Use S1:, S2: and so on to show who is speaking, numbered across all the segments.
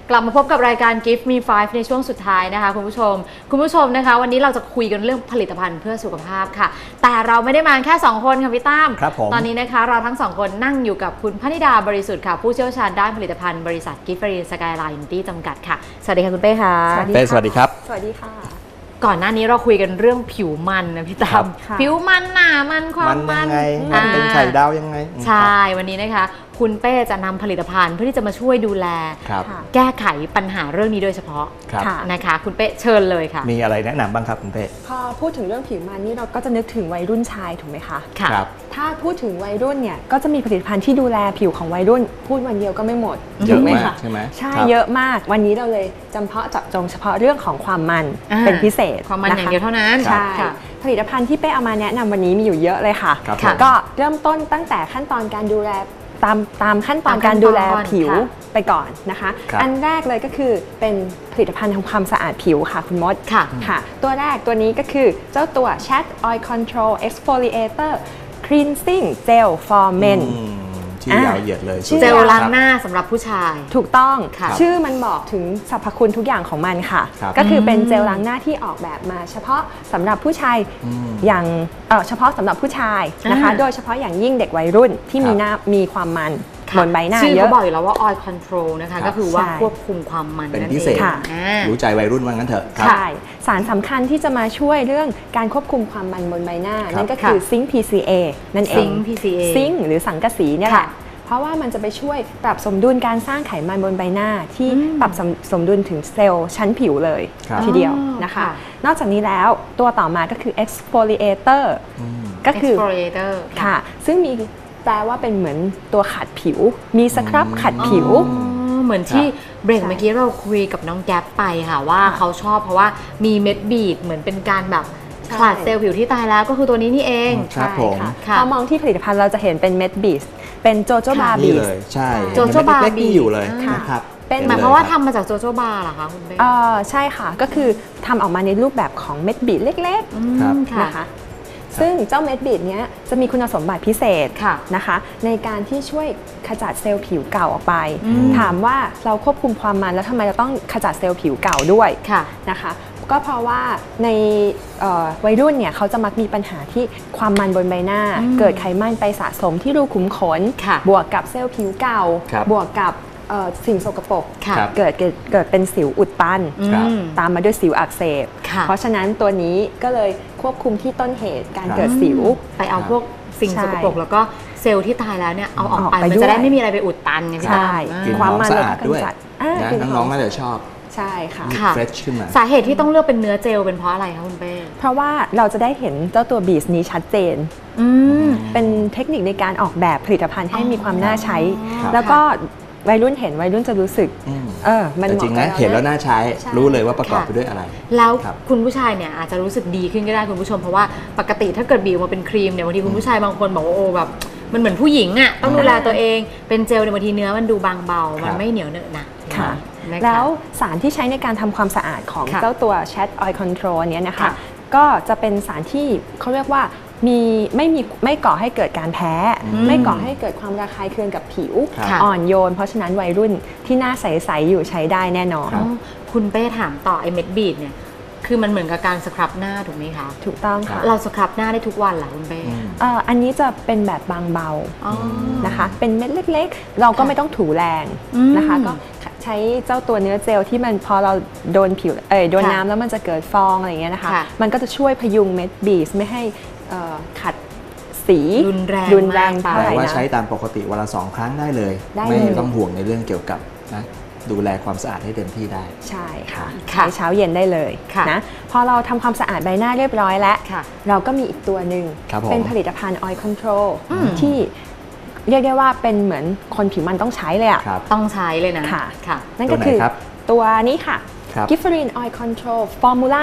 S1: กลับมาพบกับรายการ Give Me 5ในช่วงสุดท้ายนะคะคุณผู้ชมนะคะวันนี้เราจะคุยกันเรื่องผลิตภัณฑ์เพื่อสุขภาพค่ะแต่เราไม่ได้มาแค่2คนค่ะพี่ตั้มตอนนี้นะคะเราทั้ง2คนนั่งอยู่กับคุณพนิดาบริสุทธิ์ค่ะผู้เชี่ยวชาญด้านผลิตภัณฑ์บริษัท Giftfree Skyline Unity จำกัดค่ะสวัสดีค่ะคุณเป้ค่ะ
S2: สวัสดีครับ
S3: สวัสดีค่ะ
S1: ก่อนหน้านี้เราคุยกันเรื่องผิวมันนะพี่ตั้มผิวมันหนามันความมัน
S2: มันเป็นไข่ดาวยังไง
S1: ใช่วันนี้นะคะคุณเป้จะนำผลิตภัณฑ์เพื่อที่จะมาช่วยดูแลแก้ไขปัญหาเรื่องนี้โดยเฉพาะนะคะคุณเป้เชิญเลยค่ะ
S2: มีอะไรแนะนำบ้างครับคุณเป้
S3: พอพูดถึงเรื่องผิวมันนี่เราก็จะนึกถึงวัยรุ่นชายถูกไหมคะ
S2: ครับ
S3: ถ้าพูดถึงวัยรุ่นเนี่ยก็จะมีผลิตภัณฑ์ที่ดูแลผิวของวัยรุ่นพูดวันเดียวก็ไม่หมด
S2: เยอะมากใช่ไหม
S3: ใช่เยอะมากวันนี้เราเลยจำเพาะเจาะจงเฉพาะเรื่องของความมันเป็นพิเศษ
S1: ความมันอย่างเดียวเท่านั้น
S3: ใช่ผลิตภัณฑ์ที่เป้เอามาแนะนำวันนี้มีอยู่เยอะเลยค่ะก็เริ่มต้นตั้งแต่ขั้นตอนการดูแลตามขั้นตอนการดูแลผิวไปก่อนนะคะอันแรกเลยก็คือเป็นผลิตภัณฑ์ทำความสะอาดผิวค่ะคุณมดค่ะตัวแรกตัวนี้ก็คือเจ้าตัว Chat Oil Control Exfoliator Cleansing Gel for Men
S2: ชื่อยาวเหยียดเลย
S1: เจลล้างหน้าสำหรับผู้ชาย
S3: ถูกต้องชื่อมันบอกถึงสรรพคุณทุกอย่างของมันค่ะก็คือเป็นเจลล้างหน้าที่ออกแบบมาเฉพาะสำหรับผู้ชายอย่างเฉพาะสำหรับผู้ชายนะคะโดยเฉพาะอย่างยิ่งเด็กวัยรุ่นที่มีความมันบนใบหน้าเยอะ
S1: ชื่อเขาบอกอยู่แล้วว่า oil control นะคะก็คือว่าควบคุมความมัน
S2: เป็นพิเศษรู้ใจวัยรุ่นว่างั้นเถอะ
S3: ใช่สารสำคัญที่จะมาช่วยเรื่องการควบคุมความมันบนใบหน้านั่นก็คือซิงค์ PCA นั่นเองซิงค์หรือสังกะสีเนี่ยแหละเพราะว่ามันจะไปช่วยปรับสมดุลการสร้างไขมันบนใบหน้าที่ปรับสมดุลถึงเซลล์ชั้นผิวเลยทีเดียวนะคะนอกจากนี้แล้วตัวต่อมาก็คือ exfoliator ก็คือ
S1: exfoliator
S3: ค่ะซึ่งมีแปลว่าเป็นเหมือนตัวขัดผิวมีสครับขัดผิว
S1: เหมือนที่เบรกเมื่อกี้เราคุยกับน้องแก๊ปไปค่ะว่าเขาชอบเพราะว่ามีเม็ดบีดเหมือนเป็นการแบบขลัดเซลล์ผิวที่ตายแล้วก็คือตัวนี้นี่เอง
S3: ใช่ค่ะพอมองที่ผลิตภัณฑ์เราจะเห็นเป็นเม็ดบีดเป็นโจโจบาบี
S2: เลยใช่
S1: โจโจบาบี
S2: อยู่เลยนะครับ
S1: เป็นหมายความว่าทำมาจากโจโจบาเหรอคะคุณเบ้
S3: ใช่ค่ะก็คือทำออกมาในรูปแบบของเม็ดบีดเล็กๆนะคะซึ่งเจ้าเม็ดบีดนี้จะมีคุณสมบัติพิเศษนะคะในการที่ช่วยขจัดเซลล์ผิวเก่าออกไปถามว่าเราควบคุมความมันแล้วทำไมเราต้องขจัดเซลล์ผิวเก่าด้วยนะคะก็เพราะว่าในวัยรุ่นเนี่ยเขาจะมักมีปัญหาที่ความมันบนใบหน้าเกิดไขมันไปสะสมที่รูขุมขนบวกกับเซลล์ผิวเก่าบวกกับสิ่งสกปรกเกิดเป็นสิวอุดตันตามมาด้วยสิวอักเสบเพราะฉะนั้นตัวนี้ก็เลยควบคุมที่ต้นเหตุการเกิดสิว
S1: ไปเอาพวกสิ่งสกปรกแล้วก็เซลล์ที่ตายแล้วเนี่ยเอาออกไปมันจะได้ไม่มีอะไรไปอุดตันไงพี่ตา
S2: ความมันสะอาดด้วยน้องๆน่าจะชอบ
S3: ใช่ค่ะ
S2: เฟรชขึ้นมา
S1: สาเหตุที่ต้องเลือกเป็นเนื้อเจลเป็นเพราะอะไรคะคุณเป้
S3: เพราะว่าเราจะได้เห็นเจ้าตัวบีสนี้ชัดเจนเป็นเทคนิคในการออกแบบผลิตภัณฑ์ให้มีความน่าใช้แล้วก็วัยรุ่นเห็นวัยรุ่นจะรู้สึก
S2: มันจริงนะเห็นแล้วน่าใช้รู้เลยว่าประกอบไปด้วยอะไร
S1: แล้วคุณผู้ชายเนี่ยอาจจะรู้สึกดีขึ้นก็ได้คุณผู้ชมเพราะว่าปกติถ้าเกิดบีบมาเป็นครีมเนี่ยบางทีคุณผู้ชายบางคนบอกว่าโอ้แบบมันเหมือนผู้หญิงอ่ะต้องดูแลตัวเองเป็นเจลในบางทีเนื้อมันดูบางเบามันไม่เหนียวเหนอะหนะ
S3: แล้วสารที่ใช้ในการทำความสะอาดของเจ้าตัว Chat Oil Control เนี้ยนะคะก็จะเป็นสารที่เขาเรียกว่าไม่ก่อให้เกิดการแพ้ไม่ก่อให้เกิดความระคายเคืองกับผิวอ่อนโยนเพราะฉะนั้นวัยรุ่นที่หน้าใสๆอยู่ใช้ได้แน่นอน
S1: คุณเป้ถามต่อไอ้เม็ดบีดเนี่ยคือมันเหมือนกับการสครับหน้าถูกไหมคะ
S3: ถูกต้องค่ะ
S1: เราสครับหน้าได้ทุกวันเหรอคุณเป้
S3: อันนี้จะเป็นแบบบางเบานะคะเป็นเม็ดเล็กๆเราก็ไม่ต้องถูแรงนะคะก็ใช้เจ้าตัวเนื้อเจลที่มันพอเราโดนผิวโดนน้ำแล้วมันจะเกิดฟองอะไรอย่างเงี้ยนะคะมันก็จะช่วยพยุงเม็ดบีดไม่ให้ขัดสี
S1: รุนแรง
S3: ไป
S2: แต่ว่าใช้ตามปกติวันละ2 ครั้งได้เลยไม่ต้องห่วงในเรื่องเกี่ยวกับนะดูแลความสะอาดให้เต็มที่ได้
S3: ใช่ค่ะใช้เช้าเย็นได้เลยนะพอเราทำความสะอาดใบหน้าเรียบร้อยแล้วเราก็มีอีกตัวหนึ่งเป็นผลิตภัณฑ์ Oil Control ที่เรียกได้ว่าเป็นเหมือนคนผิวมันต้องใช้เลยอ่ะ
S1: ต้องใช้เลยนะ
S3: ค่ะนั่นก็คือตัวนี้ค่ะ Giftfree Oil Control Formula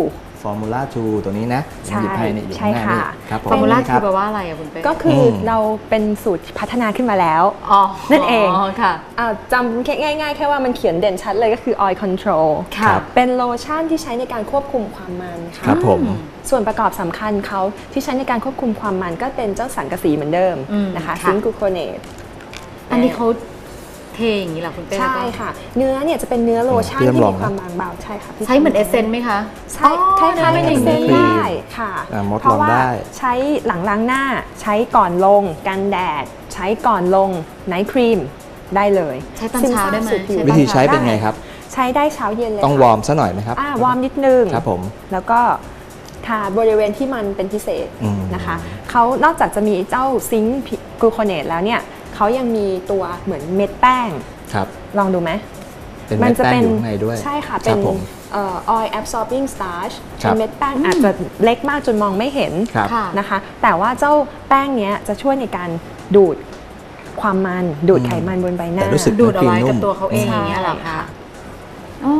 S3: 2
S2: Formula 2 ตัวนี้นะหยิบให้ในอยู่ข้างหน้านี่
S1: ครับ Formula 2แปลว่าอะไรอะคุณเป้
S3: ก็คือเราเป็นสูตรพัฒนาขึ้นมาแล้วนั่นเองค่ะจำง่ายๆแค่ว่ามันเขียนเด่นชัดเลยก็คือ Oil Control เป็นโลชั่นที่ใช้ในการควบคุมความมันค่ะ
S2: ครับผม
S3: ส่วนประกอบสำคัญเขาที่ใช้ในการควบคุมความมันก็เป็นเจ้าสังกะสีเหมือนเดิมนะคะซิงค์กลูโคเนต
S1: อันนี้เขาเทอย่างนี้เหรอคุณเป้
S3: ใช่ค่ะเนื้อเนี่ยจะเป็นเนื้อโลชั่นที่มีความบางเบาใช่ค่ะพี่
S1: ใช้เหมือนเอเซนต์ไหมคะ
S3: ใช่ใช่ค่ะเป็นเอเซนต์ได้ค่ะ
S2: มด
S3: เพราะ
S2: ลอง
S3: ว่า
S2: ได้
S3: ใช้หลังล้างหน้าใช้ก่อนลงกันแดดใช้ก่อนลงไนท์ครีมได้เลย
S1: ใช้ตอนเช้าได้ไหม
S3: ซึซบสู่ผิ
S2: วิธีใช้เป็นไงครับ
S3: ใช้ได้เช้าเย็นเลย
S2: ต้องวอร์มซะหน่อยไหมครับ
S3: วอร์มนิดนึง
S2: ครับผม
S3: แล้วก็ทาบริเวณที่มันเป็นพิเศษ
S2: อืม
S3: นะคะเขานอกจากจะมีเจ้าซิงค์กลูโคเนตแล้วเนี่ยเขายังมีตัวเหมือนเม็ดแป้ง
S2: ครับ
S3: ลองดูไหม
S2: เป็นเม็ดแป้งอยู่ข้างในด้วย
S3: ใช่ค่ะ
S2: ค
S3: เป็
S2: รั
S3: น
S2: บผม
S3: oil absorbing starch
S2: ครั
S3: เป็
S2: บ
S3: นเม็ดแป้งอาจจะเล็กมากจนมองไม่เห็น
S2: ครับ
S1: ค่ะ
S3: นะคะ แต่ว่าเจ้าแป้งเนี้ยจะช่วยในการดูดความมันดูดไขมันบนใบหน้า
S2: แต่รู้สึก
S1: ดูดเอาไว้
S2: นุ่
S1: กับ
S2: ม
S1: ตัวเขาเองอย่างเงี้ยเหรอ
S3: ใช่
S1: คะ
S3: ค่ะ
S1: อ๋อน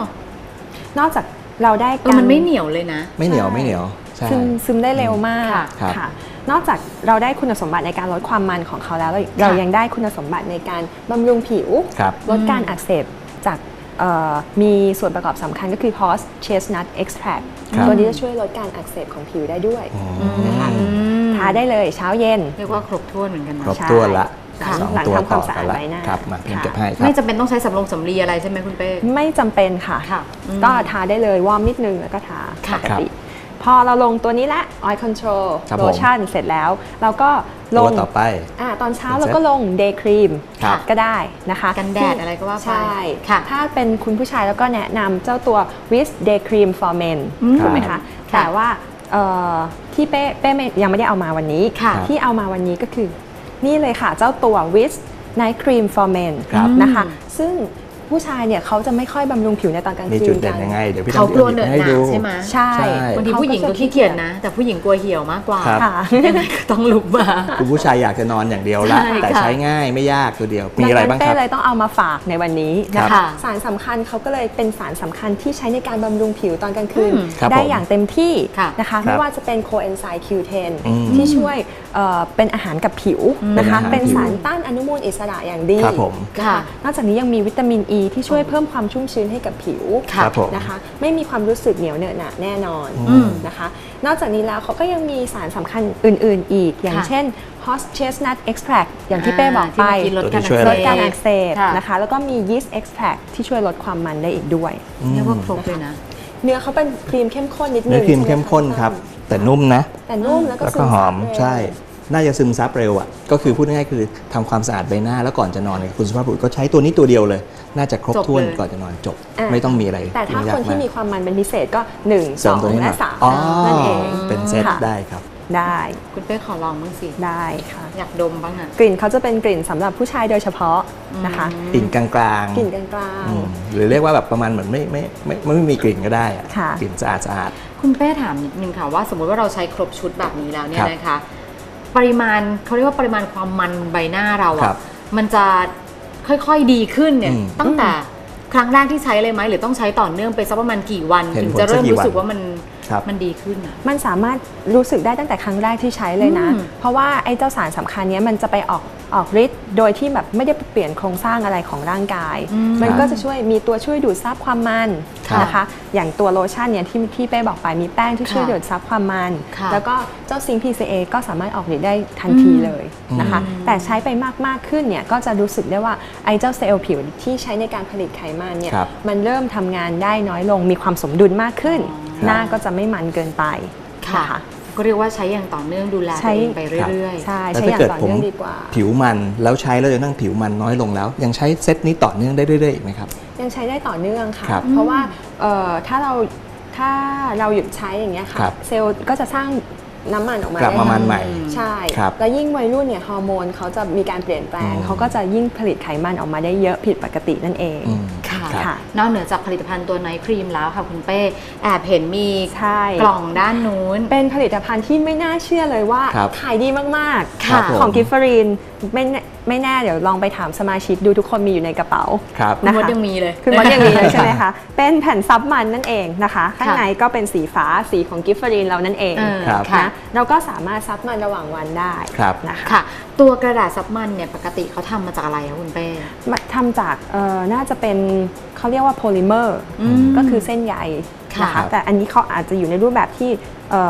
S3: อกจากเราได้
S1: มันไม่เหนียวเลยนะ
S2: ไม่เหนียวไม่เหนียวใช่
S3: ซึมได้เร็วมาก
S1: ค่ะ
S2: ครับ
S3: ค่ะ นอกจากเราได้คุณสมบัติในการลดความมันของเขาแล้วเรายังได้คุณสมบัติในการบำรุงผิว
S2: ครับ
S3: ลดการอักเสบจากมีส่วนประกอบสำคัญก็คือ horse chestnut extract
S2: ครับ
S3: ตัวนี้จะช่วยลดการอักเสบของผิวได้ด้วย
S2: อืม
S3: นะคะ
S1: อืม
S3: ทาได้เลยเช้าเย็น
S1: เรียกว่าครบถ้วนเหมือนกันนะ
S2: ครบถ้วนละ
S3: ค่ะ
S2: สอง
S3: หลัง
S2: ตัว
S3: ทำความ
S2: ต่อ
S3: สะ
S2: กั
S3: อาด
S2: นละ
S3: ใบหน้า
S2: ครับมาพิมพ์
S3: ค่ะ
S2: เก็บให้ครั
S1: ไม่
S2: บ
S1: จำเป็นต้องใช้สำลีอะไรใช่ไหมคุณเป้
S3: ไม่จำเป็นค่ะ
S1: ค่ะอืม
S3: ก็ทาได้เลยวอร์มนิดนึงแล้วก็ทา
S1: ค่ะ
S3: ปกติ พอเราลงตัวนี้ละ oil control
S2: ครับผม
S3: lotion เสร็จแล้วเราก็ล
S2: ตัว
S3: ง
S2: ต่อไป
S3: ตอนเช้า
S2: เป็นเซ็ต
S3: เราก็ลง day cream
S2: ครับ
S3: ก็ได้นะคะ
S1: กันแดดอะไรก็ว่าไป
S3: ใช่
S1: ค่ะ
S3: ถ้าเป็นคุณผู้ชายแล้วก็แนะนำเจ้าตัว Wish Day Cream for Men ถูกไหมคะ แต่ว่าที่เป้ยังไม่ได้เอามาวันนี้
S1: ค่ะ
S3: ที่เอามาวันนี้ก็คือนี่เลยค่ะ เจ้าตัว Wish Night Cream for Men
S2: ครับ
S3: นะคะ ซึ่งผู้ชายเนี่ยเขาจะไม่ค่อยบำรุงผิวในตอนกลาง
S2: มี
S3: คื
S2: จุด
S3: น
S2: เด่
S3: กัน น
S2: ยังไงเดี๋ยวพี่
S1: เขา
S2: ทำ
S1: กลัวเหนอะ
S2: ให้
S1: หนา
S2: ดู
S1: ใช่ไหม
S3: ใช่
S1: บางทีผู้หญิงก็ขี้เกียจนะ แต่ผู้หญิงกลัวเหี่ยวมากกว่า
S2: ครับ
S3: ค่ะ
S1: ยังไงก็ต้องลุกมา
S2: คุณผู้ชายอยากจะนอนอย่างเดียวละ
S1: ใช่
S2: แต่
S1: ค่ะ
S2: ใช้ง่ายไม่ยากตัวเดียว มีอะไรบ้างค
S3: เป้
S2: รับ
S3: เลยต้องเอามาฝากในวันนี้นะ
S1: ครั
S3: คะ
S1: บ
S3: สารสำคัญเขาก็เลยเป็นสารสำคัญที่ใช้ในการบำรุงผิวตอนกลางคืน
S2: ครับ
S3: ได้
S2: ผม
S3: อย่างเต็มที่
S1: ค่ะ
S3: นะคะ
S2: ครับ
S3: ไม่ว่าจะเป็นโคเอนไซม์ Q10
S2: อืม
S3: ที่ช่วยเป็นอาหารกับผิวนะคะ
S2: เป็นอาหาร
S3: เป็นสารต้านอนุมูลอิสระอย่างดี
S2: ครับผม
S3: นะ
S1: ค่ะ
S3: คะนอกจากนี้ยังมีวิตามินอ e ีที่ช่วยเพิ่มความชุ่มชื้นให้กับผิว
S2: ครับผม
S3: นะคะไม่มีความรู้สึกเหนียวเหนอะหนะแน่นอน
S2: อืม
S3: นะคะ นอกจากนี้แล้วเขาก็ยังมีสารสำคัญอื่น ๆ อีก อย่าง
S1: ค่ะ
S3: เช่น horse chestnut extract อย่างที่เป้บอกไป
S1: ที่เมื่อกี้ลดการ
S2: ตัวที่ช่วย
S3: ลดการอักเสบ
S1: ค่ะ
S3: นะคะ แล้วก็มี yeast extract ที่ช่วยลดความมันได้อีกด้วย
S1: เรียกว่าครบเลยนะ
S3: เนื้อเขาเป็นครีมเข้มข้นนิดนึง
S2: เนื้อครีม
S3: ใช่ไห
S2: เข้มข้นครับ แต่นุ่มนะ
S3: แต่นุ่มแล้วก็
S2: แล้ว
S3: ซึ
S2: ก็
S3: ม
S2: ห
S3: ซั
S2: อบ ม
S3: เร็ว
S2: ใช่ น่าจะซึมซับเร็วอ่ะก็คือพูดง่ายๆคือทำความสะอาดใบหน้าแล้วก่อนจะนอนเนี่ยคุณสุภาพบุรุษก็ใช้ตัวนี้ตัวเดียวเลย น่าจะครบ
S1: จบ
S2: ถ้วน
S1: เลย
S2: ก่อนจะนอนจบ
S3: อ่ะ
S2: ไม่ต้องมีอะไร
S3: แต่ถ้า
S2: ยุ่งย
S3: คนที่
S2: ก
S3: มีความมันเป็นพิเศษก็ 1
S2: เสริมตัวนี้
S3: 2
S2: หน่
S3: และ
S2: อยอ๋อ
S3: 3นั่นเอง
S2: เป็นเซต
S3: ค่ะ
S2: ได้ครับ
S3: ได้
S1: คุณเป้ขอลองบ้างสิ
S3: ได้ค่ะ
S1: อยากดมบ้างอ่ะ
S3: กลิ่นเขาจะเป็นกลิ่นสำหรับผู้ชายโดยเฉพาะนะคะ
S2: กลิ่นกลางๆ
S3: กลิ่นกลาง
S2: อืมหรือเรียกว่าแบบประมาณเหมือนไม่มีกลิ่นก็ได้อะ
S3: ค่ะ
S2: กลิ่นสะอาด
S1: คุณเป้ถามนิดนึงค่ะว่าสมมติว่าเราใช้ครบชุดแบบนี้แล้วเนี่ย
S2: ครับ
S1: นะคะ ปริมาณเขาเรียกว่าปริมาณความมันใบหน้าเรา
S2: ครั
S1: อะ
S2: บ
S1: มันจะค่อยๆดีขึ้นเนี่ย
S2: อืม
S1: ตั้งแต่ครั้งแรกที่ใช้เลยไหมหรือต้องใช้ต่อเนื่องไปสักประมาณกี่วัน
S2: เห็น
S1: ถึง
S2: ผล
S1: จะเริ่ม
S2: สักกี่
S1: รู้สึก
S2: วัน
S1: ว่ามัน
S2: ครับ
S1: มันดีขึ้นอะ
S3: มันสามารถรู้สึกได้ตั้งแต่ครั้งแรกที่ใช้เลยนะ
S1: อืม
S3: เพราะว่าไอ้เจ้าสารสำคัญเนี้ยมันจะไปออกฤทธิ์โดยที่แบบไม่ได้เปลี่ยนโครงสร้างอะไรของร่างกาย มันก็จะช่วยมีตัวช่วยดูดซับความมัน
S2: ครับ
S3: นะคะ อย่างตัวโลชั่นเนี่ยที่เป้บอกไปมีแป้งที่ช่วยดูดซับความมัน
S1: ค่ะ
S3: แล้วก็เจ้าซิงค์ PCA ก็สามารถออกฤทธิ์ได้ทันทีเลยนะคะ แต่ใช้ไปมากขึ้นเนี่ยก็จะรู้สึกได้ว่าไอ้เจ้าเซลล์ผิวที่ใช้ในการผลิตไขมันเนี่ย
S2: ครับ
S3: มันเริ่มทำงานได้น้อยลงมีความสมดุลมากขึ้น
S2: ครับ
S3: หน้าก็จะไม่มันเกินไป
S1: ค่ะ
S3: นะคะ
S1: ก็เรียกว่าใช้อย่างต่อเนื่องดูแลตัวเองไปเรื่อย
S3: ใช่
S2: แล้ว
S3: ใช้อย่าง
S2: ถ้าเกิด
S3: ต่อ
S2: ผม
S3: เนื่องดีกว่า
S2: ผิวมันแล้วใช้แล้วจะนั่งผิวมันน้อยลงแล้ว ยังใช้เซตนี้ต่อเนื่องได้เรื่อยๆอีกไหมครับ
S3: ยังใช้ได้ต่อเนื่องค่ะ
S2: ครับ
S3: เพราะว่าถ้าเราหยุดใช้อย่างเงี้ยค่ะ
S2: ครับ
S3: เซลล์ก็จะสร้างน้ำมันออกมาก
S2: ลับมามันใหม่
S3: ใช่
S2: ครับ
S3: แล้วยิ่งวัยรุ่นเนี่ยฮอร์โมนเขาจะมีการเปลี่ยนแปลงเขาก็จะยิ่งผลิตไขมันออกมาได้เยอะผิดปกตินั่นเอง
S2: อืม
S1: ๆ ค่ะ
S2: ครับ
S3: ค่ะ
S1: นอกเหนือจากผลิตภัณฑ์ตัวไนท์ครีมแล้วค่ะคุณเป้แอบเห็นมี
S3: ใช่
S1: กล่องด้านนู้น
S3: เป็นผลิตภัณฑ์ที่ไม่น่าเชื่อเลยว่า
S2: ครับ
S3: ขายดีมาก
S2: ครับผม
S3: ของกิฟฟรีนไม่แน่เดี๋ยวลองไปถามสมาชิกดูทุกคนมีอยู่ในกระเป๋า
S2: ครับ
S1: คุณมดยังมีเลย
S3: คือมันอย่างนี้เลยใช่ไหมคะ เป็นแผ่นซับมันนั่นเองนะคะ ข้างในก็เป็นสีฟ้าสีของกิฟฟรีนเรานั่นเอง
S2: ครับ
S3: นะเราก็สามารถซับมันระหว่างวันได้
S2: ครับ
S3: นะคะ
S1: ค่ะ ตัวกระดาษซับมันเนี่ยปกติเขาทำมาจากอะไรคะคุณเป้
S3: ทำจากน่าจะเป็นเขาเรียกว่าโพลิเมอร์
S1: อืม
S3: ก็คือเส้นใย
S1: ค่ะ
S3: นะคะแต่อันนี้เขาอาจจะอยู่ในรูปแบบที่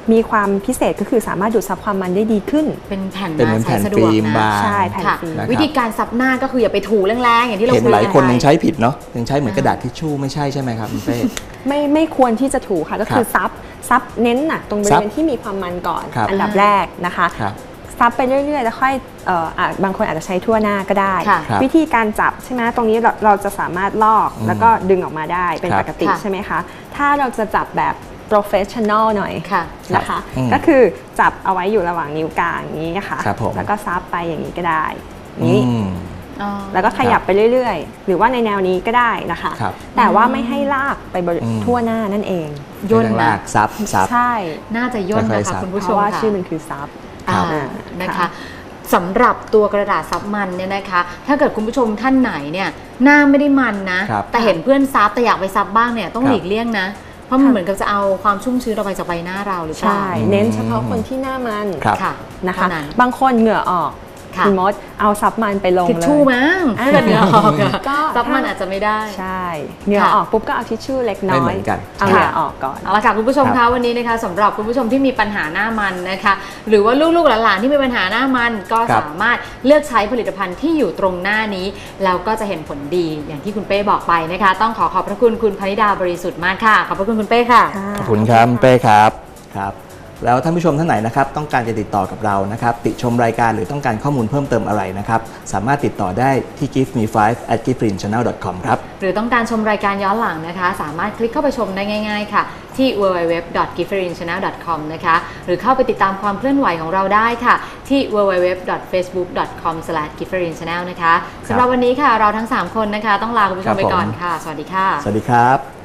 S3: มีความพิเศษก็คือสามารถดูดซับความมันได้ดีขึ้น
S1: เป็นแผ่น
S2: เป็นเหมือน
S1: ใช้
S2: แผ่น
S1: สะด
S2: ฟิ
S1: วก
S2: ล์ม
S1: นะ
S2: บาง
S3: ใช่แผ่น
S1: ค่ะ
S3: ฟิล์ม
S2: นะครับ
S1: วิธีการซับหน้าก็คืออย่าไปถูแรงๆอย่างที่เรา
S2: เห็น
S1: คุย
S2: หลายคน
S1: กั
S2: ยัง
S1: ไป
S2: ใช้ผิดเนาะยังใช้เหมือนกระดาษทิชชู่ไม่ใช่ใช่ไหมครับคุณเป้
S3: ไม่ควรที่จะถูค่ะก็คือซับเน้นหนักตรงบริเวณที่มีความมันก่อน
S2: ครับ
S3: อันดับแรกนะคะ
S2: ครับ
S3: ซับไปเรื่อยๆแล้วค่อยบางคนอาจจะใช้ทั่วหน้าก็ได้
S1: ค่ะ
S2: ครับ
S3: วิธีการจับใช่ไหมตรงนี้เราจะสามารถลอกแล้วก็ดึงออกมาได้เป็น
S2: ครับ
S3: ปกติ
S1: ค่ะ
S3: ใช่ไหมคะถ้าเราจะจับแบบ professional หน่อย
S1: ค่ะ
S3: นะคะ
S2: อืม
S3: ก็คือจับเอาไว้อยู่ระหว่างนิ้วกลางอย่างนี้ค่ะ
S2: ครับผม
S3: แล้วก็ซับไปอย่างนี้ก็ได้นี้
S2: อืม
S1: อ๋อ
S3: แล้วก็ขยับไปเรื่อยๆ หรือว่าในแนวนี้ก็ได้นะคะ
S2: ครับ
S3: แต่ว่าไม่ให้ลากไป
S2: อืม
S3: ทั่วหน้านั่นเอง
S1: ย่น
S2: ไม่ต้อง
S1: นะ
S2: ลากซับ
S3: ใช่
S1: น่าจะย่น
S2: ค่อย
S1: นะ
S2: ๆซั
S1: คะ
S2: บ
S1: คุณ
S3: เพ
S1: ผู้ชม
S3: ราะว่า
S1: ค่ะ
S3: ชื่อมันคือซับ
S1: อ่า
S3: อ่า
S1: นะคะ
S3: ค่ะ
S1: สำหรับตัวกระดาษซับมันเนี่ยนะคะ ถ้าเกิดคุณผู้ชมท่านไหนเนี่ยหน้าไม่ได้มันนะ
S2: ครับ
S1: แต่เห็นเพื่อนซับแต่อยากไปซับบ้างเนี่ยต้อง
S2: ครับ
S1: หลีกเลี่ยงนะ เพราะมันเหมือนกับจะเอาความชุ่มชื้นออกไปจากใบหน้าเราหรือเปล่า
S3: ใช่ เน้นเฉพาะคนที่หน้ามัน
S2: ครับ
S1: ค่ะ
S3: นะคะ
S1: เท่านั้น
S3: บางคนเหงื่อออก
S1: ค่ะ
S3: ณมดเอาซับมันไปลง
S1: ทิช
S3: เลย
S1: ชู่มั้ง
S3: อ่า
S1: ถ้าเกิดเหงื่อออกอะ
S3: ก็
S1: ซับมันอาจจะไม่ได้
S3: ใช่เหงื่อออกปุ๊บก็เอาทิชชู่เล็กน้
S2: ไม่
S3: อ
S2: เหมื
S3: ย
S2: อนกัน
S3: เอาเหงื่อออกก่อน
S1: เอาละค่ะคุณผู้ชม
S2: ครั
S1: คะ
S2: บ
S1: วันนี้นะคะสำหรับคุณผู้ชมที่มีปัญหาหน้ามันนะคะหรือว่าลูกๆหลานๆที่มีปัญหาหน้ามันก็
S2: ครับ
S1: สามารถเลือกใช้ผลิตภัณฑ์ที่อยู่ตรงหน้านี้แล้วก็จะเห็นผลดีอย่างที่คุณเป้บอกไปนะคะ ต้องขอบพระคุณคุณพนิดาบริสุทธิ์มากค่ะขอบพระคุณคุณเป้ค่ะ
S2: ขอบคุณครับคุณเป้ครับครับแล้วท่านผู้ชมท่านไหนนะครับต้องการจะติดต่อกับเรานะครับติชมรายการหรือต้องการข้อมูลเพิ่มเติมอะไรนะครับสามารถติดต่อได้ที่ giveme5@gifrinchannel.com ครับ
S1: หรือต้องการชมรายการย้อนหลังนะคะ สามารถคลิกเข้าไปชมได้ง่ายๆค่ะที่ www.gifrinchannel.com นะคะหรือเข้าไปติดตามความเคลื่อนไหวของเราได้ค่ะที่ www.facebook.com/gifrinchannel นะคะสำหรับวันนี้ค่ะเราทั้ง 3 คนนะคะต้องลาคุณผู้ชมไปก่อนค่ะ สวัสดีค่ะ
S2: สวัสดีครับ